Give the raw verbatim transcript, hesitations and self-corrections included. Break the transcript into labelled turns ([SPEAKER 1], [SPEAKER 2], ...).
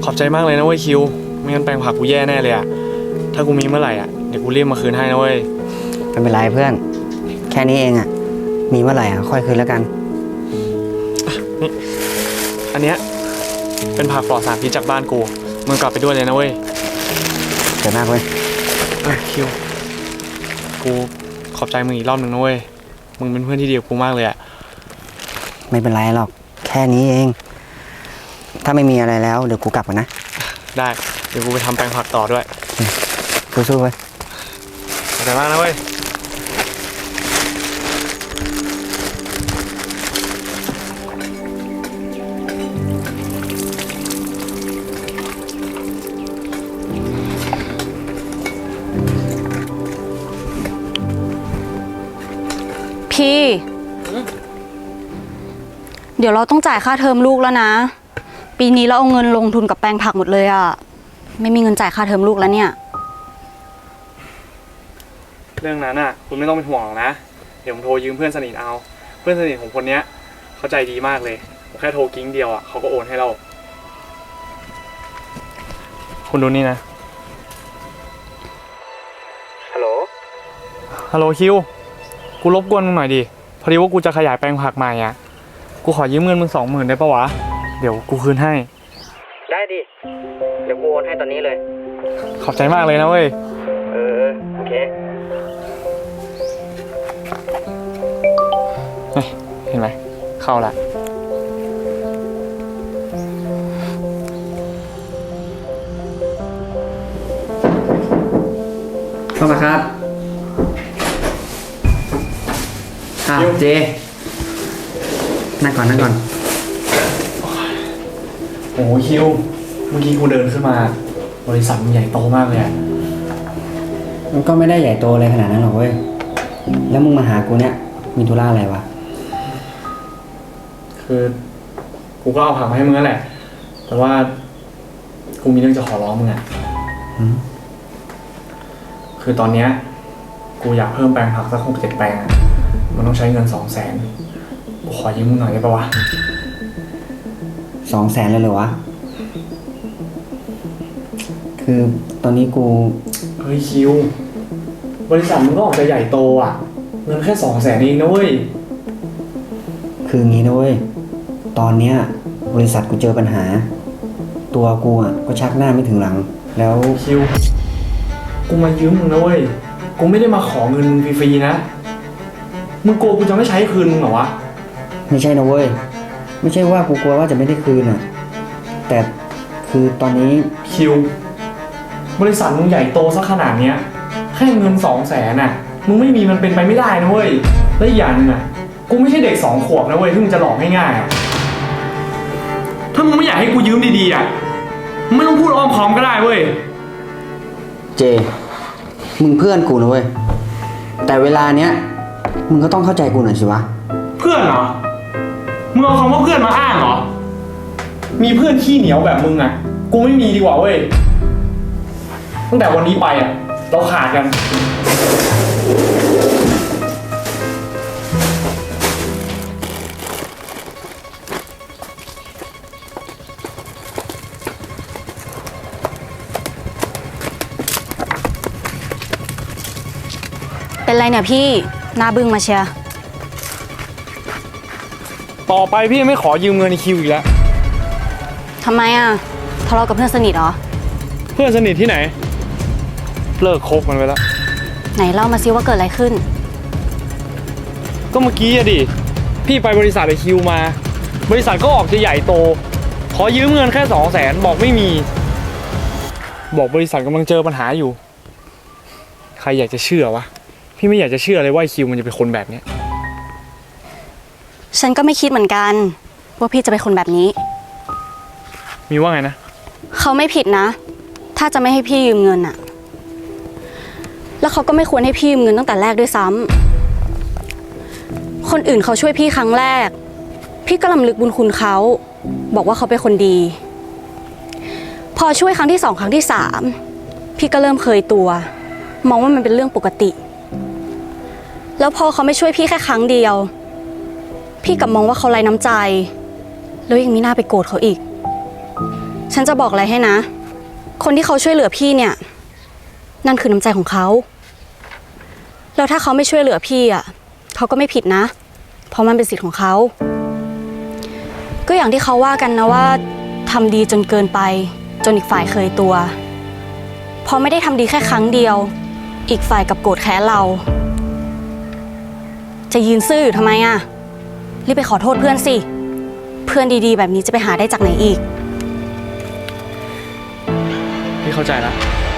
[SPEAKER 1] อบใจมากเลยนะเว้ยคิวไม่งั้นแปลงผักกูแย่แน่เลยอะถ้ากูมีเมื่อไหร่อะเดี๋ยวกูรีบมาคืนให้นะเว้ย
[SPEAKER 2] ไม่เป็นไรเพื่อนแค่นี้เองอะมีเมื่อไหร่อะค่อยคืนแล้วกัน
[SPEAKER 1] นี่อันเนี้ยเป็นผักปลอดสารพิษจากบ้านกูมึงกลับไปด้วยเลยนะเว้ย
[SPEAKER 2] เดี๋ยวมากเว้ย
[SPEAKER 1] เอ้ยคิวกูขอบใจมึงอีกรอบหนึ่งนะเว้ยมึงเป็นเพื่อนที่ดีกับกูมากเลยอะ
[SPEAKER 2] ไม่เป็นไรหรอกแค่นี้เองถ้าไม่มีอะไรแล้วเดี๋ยวกูกลับก่อนนะ
[SPEAKER 1] ได้เดี๋ยวกูไปทำแปลงผักต่อด้วย
[SPEAKER 2] สู้ๆเว้ย
[SPEAKER 1] ขอบใจมากนะเว้ย
[SPEAKER 3] พี่เดี๋ยวเราต้องจ่ายค่าเทอมลูกแล้วนะปีนี้เราเอาเงินลงทุนกับแปลงผักหมดเลยอะไม่มีเงินจ่ายค่าเทอมลูกแล้วเนี่ย
[SPEAKER 1] เรื่องนั้นอ่ะคุณไม่ต้องเป็นห่วงหรอกนะเดี๋ยวผมโทรยืมเพื่อนสนิทเอาเพื่อนสนิทของคนเนี้ยเขาใจดีมากเลยผมแค่โทรกิ้งเดียวอ่ะเขาก็โอนให้เราคุณดูนี่นะฮัลโหลฮัลโหลคิวกูรบกวนมึงหน่อยดิพอดีว่ากูจะขยายแปลงผักใหม่อ่ะกูขอยืมเงินมึงสองหมื่นได้ปะวะเดี๋ยวกูคืนให้
[SPEAKER 2] ได้ดิเดี๋ยวกูโอนให้ตอนนี้เลย
[SPEAKER 1] ขอบใจมากเลยนะเว้ย
[SPEAKER 2] เออโอเค
[SPEAKER 1] เห็นไหมเข้าละ
[SPEAKER 2] เข้ามาครับอ้าวเจนั่งก่อนนั่งก่อน
[SPEAKER 1] โอ้คิวเมื่อกี้กูเดินขึ้นมาบริษัทมันใหญ่โตมากเลยอ่ะ
[SPEAKER 2] มันก็ไม่ได้ใหญ่โตอะไรขนาดนั้นหรอกเว้ยแล้วมึงมาหากูเนี่ยมีธุระอะไรวะ
[SPEAKER 1] คือกูก็เอาผักมาให้มึงนั่นแหละแต่ว่ากูมีเรื่องจะขอร้องมึงอ่ะคือตอนเนี้ยกูอยากเพิ่มแปลงผักสักหกเจ็ดแปลงอ่ะมันต้องใช้เงินสองแสนกูขอยืมมึงหน่อยได้ปะวะ
[SPEAKER 2] สองแสนเลยเหรอวะคือตอนนี้กู
[SPEAKER 1] เฮ้ยคิวบริษัทมึงก็ออกจะใหญ่โตอ่ะเงินแค่สองแสนเองนะเว้ย
[SPEAKER 2] คืองี้นะเว้ยตอนเนี้ยบริษัทกูเจอปัญหาตัวกูอ่ะก็ชักหน้าไม่ถึงหลังแล้ว
[SPEAKER 1] คิวกูมายืมมึงนะเว้ยกูไม่ได้มาขอเงินมึงฟรีๆนะมึงกลัวกูจะไม่ใช้คืนมึงเหรอวะ
[SPEAKER 2] ไม่ใช่นะเว้ยไม่ใช่ว่ากูกลัวว่าจะไม่ได้คืนอ่ะแต่คือตอนนี้
[SPEAKER 1] คิวบริษัทมึงใหญ่โตซะขนาดเนี้ยแค่เงินสองแสนน่ะมึงไม่มีมันเป็นไปไม่ได้นะเว้ยและอีกอย่างนึงอ่ะกูไม่ใช่เด็กสองขวบนะเว้ยที่มึงจะหลอกง่ายๆถ้ามึงไม่อยากให้กูยืมดีๆอ่ะไม่ต้องพูดอ้อมค้อมก็ได้เว้ย
[SPEAKER 2] เจมึงเพื่อนกูนะเว้ยแต่เวลาเนี้ยมึงก็ต้องเข้าใจกูหน่อยสิวะ
[SPEAKER 1] เพื่อนเหรอมึงเอาคำว่าเพื่อนมาอ้างเหรอมีเพื่อนขี้เหนียวแบบมึงอ่ะกูไม่มีดีกว่าเว้ยตั้งแต่วันนี้ไปอ่ะเราขาดกัน
[SPEAKER 3] เป็นไรเนี่ยพี่หน้าบึ้งมาเชียร์
[SPEAKER 1] ต่อไปพี่ไม่ขอยืมเงินในคิวอีกแล้ว
[SPEAKER 3] ทำไมอ่ะทะเลาะกับเพื่อนสนิทเหรอ
[SPEAKER 1] เพื่อนสนิทที่ไหนเลิกคบมันไปแล้ว
[SPEAKER 3] ไหนเล่ามาซิว่าเกิดอะไรขึ้น
[SPEAKER 1] ก็เมื่อกี้อะดิพี่ไปบริษัทไอคิวมาบริษัทก็ออกจะใหญ่โตขอยืมเงินแค่สองแสนบอกไม่มีบอกบริษัทกำลังเจอปัญหาอยู่ใครอยากจะเชื่อวะพี่ไม่อยากจะเชื่อเลยว่าไอคิวมันจะเป็นคนแบบนี้
[SPEAKER 3] ฉันก็ไม่คิดเหมือนกันว่าพี่จะเป็นคนแบบนี้
[SPEAKER 1] มีว่าไงนะ
[SPEAKER 3] เขาไม่ผิดนะถ้าจะไม่ให้พี่ยืมเงินอะแล้วเขาก็ไม่ควรให้พี่ยืมเงินตั้งแต่แรกด้วยซ้ำคนอื่นเขาช่วยพี่ครั้งแรกพี่ก็รำลึกบุญคุณเขาบอกว่าเขาเป็นคนดีพอช่วยครั้งที่สองครั้งที่สามพี่ก็เริ่มเคยตัวมองว่ามันเป็นเรื่องปกติแล้วพอเขาไม่ช่วยพี่แค่ครั้งเดียวพี่กลับมองว่าเขาไร้น้ำใจแล้วยังมีหน้าไปโกรธเขาอีกฉันจะบอกอะไรให้นะ คนที่เขาช่วยเหลือพี่เนี่ย นั่นคือน้ำใจของเขา แล้วถ้าเขาไม่ช่วยเหลือพี่อ่ะเขาก็ไม่ผิดนะ เพราะมันเป็นสิทธิ์ของเขา ก็อย่างที่เขาว่ากันนะว่าทำดีจนเกินไป จนอีกฝ่ายเคยตัว พอไม่ได้ทำดีแค่ครั้งเดียว อีกฝ่ายกับโกรธแค้นเรา จะยืนซื่ออยู่ทำไมอ่ะ รีบไปขอโทษเพื่อนสิ เพื่อนดีๆแบบนี้จะไปหาได้จากไหนอีก
[SPEAKER 1] พี่เข้าใจแล้ว